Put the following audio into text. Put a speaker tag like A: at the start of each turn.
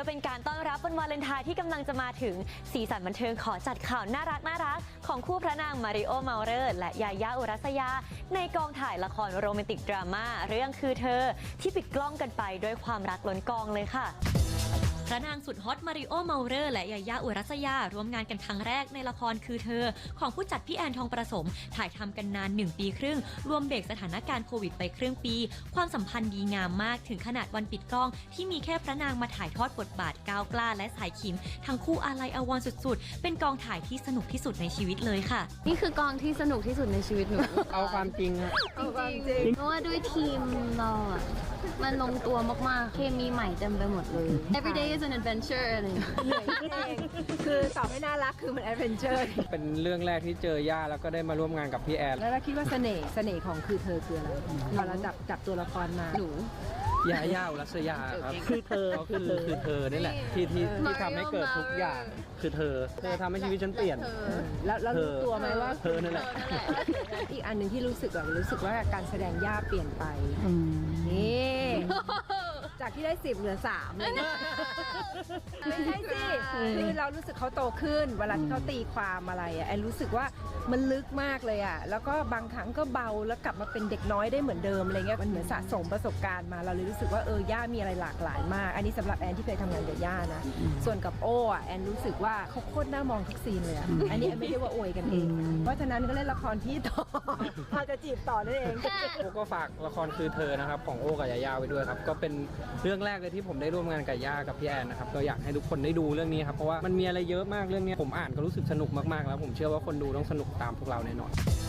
A: พื่อเป็นการต้อนรับวันวาเลนไทน์ที่กำลังจะมาถึงสีสันบันเทิงขอจัดข่าวน่ารักของคู่พระนางมาริโอ เมาเลอร์และยายา อุรัสยาในกองถ่ายละครโรแมนติกดราม่าเรื่องคือเธอที่ปิดกล้องกันไปด้วยความรักล้นกองเลยค่ะพระนางสุดฮอตมาริโอ เมาเลอร์และยายา อุรัสยาร่วมงานกันครั้งแรกในละครคือเธอของผู้จัดพี่แอนทองประสมถ่ายทำกันนาน1 ปีครึ่งรวมเบรกสถานการณ์โควิดไปครึ่งปีความสัมพันธ์ดีงามมากถึงขนาดวันปิดกล้องที่มีแค่พระนางมาถ่ายทอดบทบาทก้าวกล้าและสายขิมทั้งคู่อาลัยอาวรณ์สุดๆเป็นกองถ่ายที่สนุกที่สุดในชีวิตเลยค่ะ
B: นี่คือกองที่สนุกที่สุดในชีวิตหนู
C: เอาความจริงอะ
B: จริงเพราะว่าด้วยทีมเราอะมันลงตัวมากๆเคมีใหม่เต็มไปหมดเลย Every day is an adventure อะไรอย่างเงี้ย
D: เหนื่อยนิดเองคือตอบไม่น่ารักคือมันแอดเวนเจอร์
C: เป็นเรื่องแรกที่เจอย่าแล้วก็ได้มาร่วมงานกับพี่แอน
D: แล้วเราคิดว่าเสน่ห์ของคือเธอคืออะไรพอเราจับตัวละครมา
B: หนู
C: ยาย่า อุรัสยาครับคือเธอคือเธอนี่แหละที่ทำให้เกิดทุกอย่างคือเธอทำให้ชีวิตฉันเปลี่ยน
D: แล้วรู้ตัวไหมว่า
C: เธอนั่นแหละ
D: อีกอันหนึ่งที่รู้สึกว่าการแสดงย่าเปลี่ยนไปนี่จากที่ได้10เหลือ3เลยไม่ใช่สิคือเรารู้สึกเขาโตขึ้นเวลาที่เขาตีความอะไรอ่ะแอนรู้สึกว่ามันลึกมากเลยอ่ะแล้วก็บางครั้งก็เบาแล้วกลับมาเป็นเด็กน้อยได้เหมือนเดิมอะไรเงี้ยมันเหมือนสะสมประสบการณ์มาเราเลยรู้สึกว่าย่ามีอะไรหลากหลายมากอันนี้สำหรับแอนที่เคยทำงานกับย่านะส่วนกับโอ้แอนรู้สึกว่าเขาโคตรน่ามองทุกซีนเลยอ่ะอันนี้แอนไม่ได้ว่าอวยกันเองเพราะฉะนั้นก็เล่นละครพี่ต่อเราจะจีบต่อนั่นเอง
C: โอ้ก็ฝากละครคือเธอนะครับของโอ้กับยาย่าไว้ด้วยครับก็เป็นเรื่องแรกเลยที่ผมได้ร่วมงานกับย่ากับพี่แอนนะครับก็อยากให้ทุกคนได้ดูเรื่องนี้ครับเพราะว่ามันมีอะไรเยอะมากเรื่องนี้ผมอ่านก็รู้สึกสนุกมากๆแล้วผมเชื่อว่าคนดูต้องสนุกตามพวกเราแน่นอน